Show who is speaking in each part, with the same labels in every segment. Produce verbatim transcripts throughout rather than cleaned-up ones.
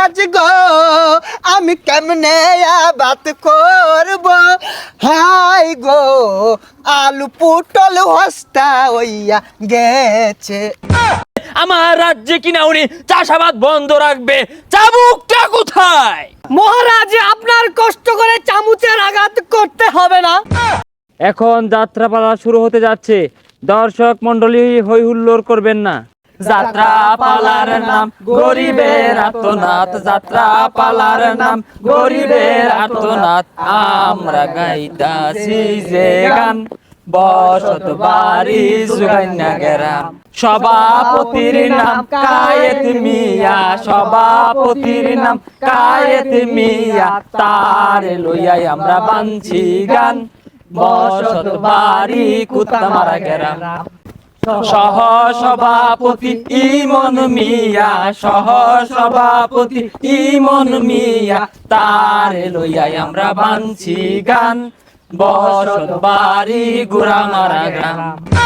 Speaker 1: মহারাজ গো আমি কেমনে আবাদ করব হাই গো আলু পটল হস্তা হইয়া গেছে।
Speaker 2: আমার রাজ্যে কিনা উনি চাষাবাদ বন্ধ রাখবে, চাবুকটা কোথায়?
Speaker 3: মহারাজ আপনার কষ্ট করে চামচের আঘাত করতে হবে না।
Speaker 2: এখন যাত্রাপালা শুরু হতে যাচ্ছে, দর্শক মন্ডলী হই হুল্লোড় করবেন না। যাত্রা পালার নাম গরিবের আর্তনাদ, যাত্রা পালার নাম গরিবের আর্তনাদ, আমরা গাইতাছি যে গান বসত বাড়ি সুগান্যা গেরাম। সভাপতির নাম কায়েত মিয়া, সভাপতির নাম কায়েত মিয়া, তার লইয়াই আমরা বানছি গান বসত বাড়ি কুত্তামারা গেরাম। সহ সভাপতি ইমন মিয়া, সহ সভাপতি ইমন মিয়া, তার লইয়াই আমরা বানছি গান বসত বাড়ি গুড়ামারা গ্রাম।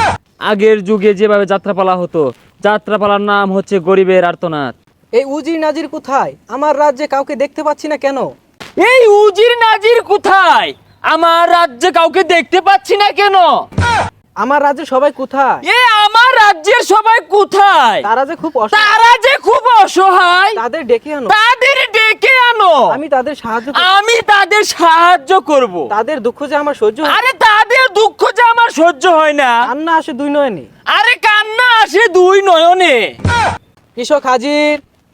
Speaker 2: আগের যুগে যেভাবে যাত্রাপালা হতো, যাত্রাপালার নাম হচ্ছে গরিবের আর্তনাদ।
Speaker 3: এই উজির নাজির কোথায়? আমার রাজ্যে কাউকে দেখতে পাচ্ছি না কেন?
Speaker 2: এই উজির নাজির কোথায়? আমার রাজ্যে কাউকে দেখতে পাচ্ছি না কেন?
Speaker 3: আমার রাজ্যে সবাই কোথায়?
Speaker 2: এ আমার রাজ্যের সবাই কোথায়?
Speaker 3: তারা যে খুব অসহায়,
Speaker 2: তারা যে খুব অসহায়,
Speaker 3: তাদের ডেকে আনো।
Speaker 2: তাদের ডেকে আনো,
Speaker 3: আমি তাদের সাহায্য করব।
Speaker 2: আমি তাদের সাহায্য করব।
Speaker 3: তাদের দুঃখ যে আমার সহ্য হয় না।
Speaker 2: আরে তাদের দুঃখ যে আমার সহ্য হয় না।
Speaker 3: কান্না আসে দুই নয়নে।
Speaker 2: আরে কান্না আসে দুই নয়নে।
Speaker 3: কৃষক হাজির।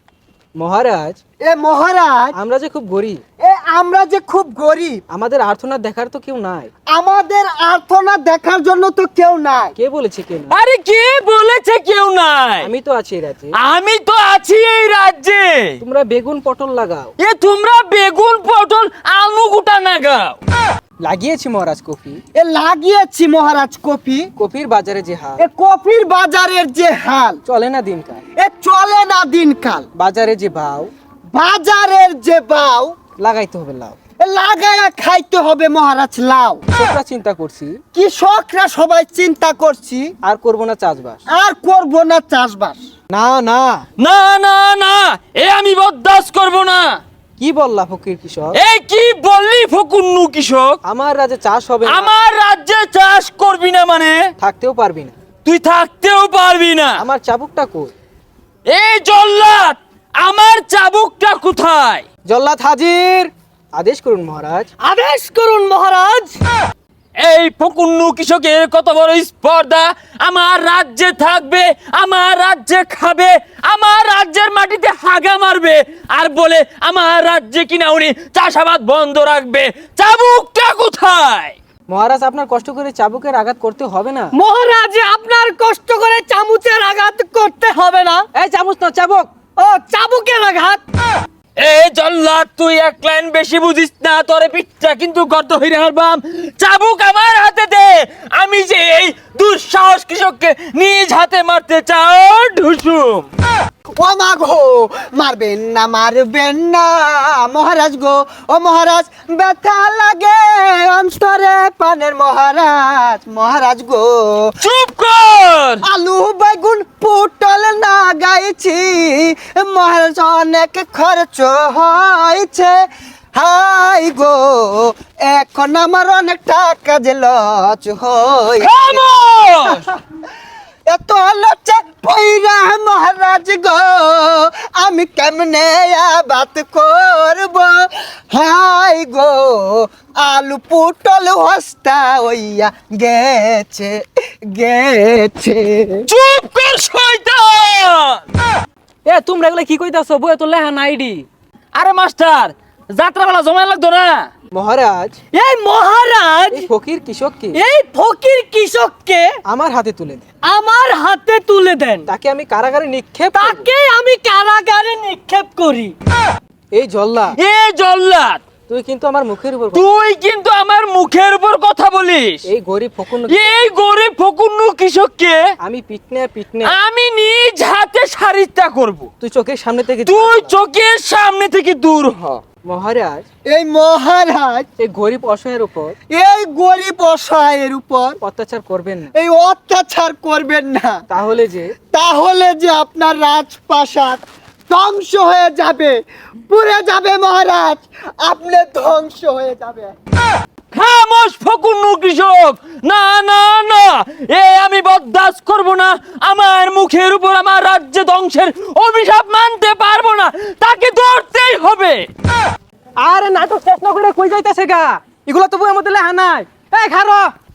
Speaker 3: মহারাজ,
Speaker 1: এ মহারাজ
Speaker 3: আমরা যে খুব গরিব,
Speaker 1: এ আমরা যে খুব গরিব,
Speaker 3: আমাদের আর্তনাদ দেখার তো কেউ নাই।
Speaker 1: আমাদের আর্তনাদ দেখার জন্য তো কেউ নাই।
Speaker 3: কে বলেছে কেউ নাই?
Speaker 2: আরে কে বলেছে কেউ নাই?
Speaker 3: আমি তো আছি এই রাজ্যে।
Speaker 2: আমি তো আছি এই রাজ্যে।
Speaker 3: তোমরা বেগুন পটল লাগাও।
Speaker 2: এ তোমরা বেগুন পটল আলু গুটা নাগাও।
Speaker 3: লাগিয়েছি মহারাজ কফি।
Speaker 1: এ লাগিয়েছি মহারাজ কফি।
Speaker 3: কফির বাজারে যে হাল,
Speaker 1: এ কফির বাজারের যে হাল,
Speaker 3: চলে না দিনকাল।
Speaker 1: এ চলে না দিনকাল।
Speaker 3: বাজারে যে ভাও,
Speaker 1: বাজারের যে বাও,
Speaker 3: লাগাইতে হবে লাউ।
Speaker 1: এ লাগায়া খাইতে হবে মহারাজ লাউ।
Speaker 3: কৃষকরা চিন্তা করছি,
Speaker 1: কৃষকরা সবাই চিন্তা করছি
Speaker 3: আর করব না চাষবাস।
Speaker 1: আর করব না চাষবাস।
Speaker 3: না না,
Speaker 2: না না না, এ আমি বরদাস্ত করব না।
Speaker 3: কি বললা ফকির কৃষক?
Speaker 2: এই কি বললি ফকুন্নু কৃষক?
Speaker 3: আমার রাজ্যে চাষ হবে না।
Speaker 2: আমার রাজ্যে চাষ করবি না মানে?
Speaker 3: থাকতেও পারবি না।
Speaker 2: তুই থাকতেও পারবি না।
Speaker 3: আমার চাবুকটা কই?
Speaker 2: এই জল্লাদ, আমার চাবুকটা কোথায়?
Speaker 3: জল্লাদ হাজির। আদেশ করুন মহারাজ।
Speaker 1: আদেশ করুন মহারাজ।
Speaker 2: এই ফকুন্নু কৃষকের কত বড় স্পর্ধা! আমার রাজ্যে থাকবে, আমার রাজ্যে খাবে, আমার রাজ্যের মাটিতে হাগা মারবে, আর বলে আমার রাজ্যে কিনা উনি চাষাবাদ বন্ধ রাখবে। চাবুকটা কোথায়?
Speaker 3: মহারাজ, আপনার কষ্ট করে চাবুকের আঘাত করতে হবে না।
Speaker 1: মহারাজ আপনার কষ্ট করে চামচের আঘাত করতে হবে না।
Speaker 3: এই চামচ না, চাবুক।
Speaker 1: ও চাবুকের আঘাত।
Speaker 2: এই জল্লাদ, তুই এক লাইন বেশি বুঝিস না, তোরে পিঠটা কিন্তু গর্ত হইরে হারবাম। চাবুক আমার হাতে দে, আমি যে এই দুঃসাহস কৃষককে নিজ হাতে মারতে চাও ঢুসুম।
Speaker 1: ও মা গো, মারবেন না মারবেন না মহারাজ গো। ও মহারাজ ব্যথা লাগে অন্তরে পানের মহারাজ। মহারাজ গো
Speaker 2: চুপ কর।
Speaker 1: আলু বেগুন পটল না গাইছি মহারাজ, অনেক খরচ হয়েছে। হাই গো এখন আমার অনেক টাকা যে লচ হই।
Speaker 2: খামোশ!
Speaker 1: এত লচে পইরা মহারাজ গো আমি কেমনে আবাদ করব হাই গো আলু পটল হস্তা হইয়া গেছে গেছে।
Speaker 2: চুপ কর শয়তান!
Speaker 3: এ তোমরা এগুলা কি কইতাছো? বইয়ে তো লেখা নাইডি।
Speaker 2: আরে মাস্টার, যাত্রাবেলা জমা লাগতো না?
Speaker 3: মহারাজ,
Speaker 1: এই মহারাজ
Speaker 3: এই ফকির কৃষককে
Speaker 1: এই ফকির কৃষককে
Speaker 3: আমার হাতে তুলে দেন।
Speaker 1: আমার হাতে তুলে দেন।
Speaker 3: তাকে আমি কারাগারে নিক্ষেপ করব।
Speaker 1: তাকে আমি কারাগারে নিক্ষেপ করি।
Speaker 3: এই জল্লা,
Speaker 2: এ জল্লাদ,
Speaker 3: তুই কিন্তু আমার মুখের উপর কথা-
Speaker 2: তুই কিন্তু আমার মুখের উপর কথা বলিস।
Speaker 3: এই গরিব ফকুন,
Speaker 2: এই গরিব ফকুন্নু কৃষককে
Speaker 3: আমি পিটনে পিটনে
Speaker 2: আমি নিজ হাতে সারিতা করব।
Speaker 3: তুই চোখের সামনে থেকে
Speaker 2: তুই চোখের সামনে থেকে দূর হ।
Speaker 3: মহারাজ,
Speaker 1: এই মহারাজ
Speaker 3: এই গরিব অসহায়ের উপর
Speaker 1: এই গরিব অসহায়ের উপর
Speaker 3: অত্যাচার করবেন না।
Speaker 1: এই অত্যাচার করবেন না।
Speaker 3: তাহলে যে
Speaker 1: তাহলে যে আপনার রাজপ্রাসাদ ধ্বংস হয়ে যাবে, পুড়ে যাবে মহারাজ, আপনি ধ্বংস হয়ে যাবে।
Speaker 2: খামোশ ফকুন্নু কৃষক, না না না, এ আমি বরদাস্ত করব না। আমার মুখের উপর আমার রাজ্য ধ্বংসের অভিশাপ মানতে পারবো না, তাকে ধরতেই হবে।
Speaker 3: আরে নাটক শেষ না করে কই যাইতেছে গা, এগুলো তো বইয়ের মধ্যে লেখা নাই। এই খারো,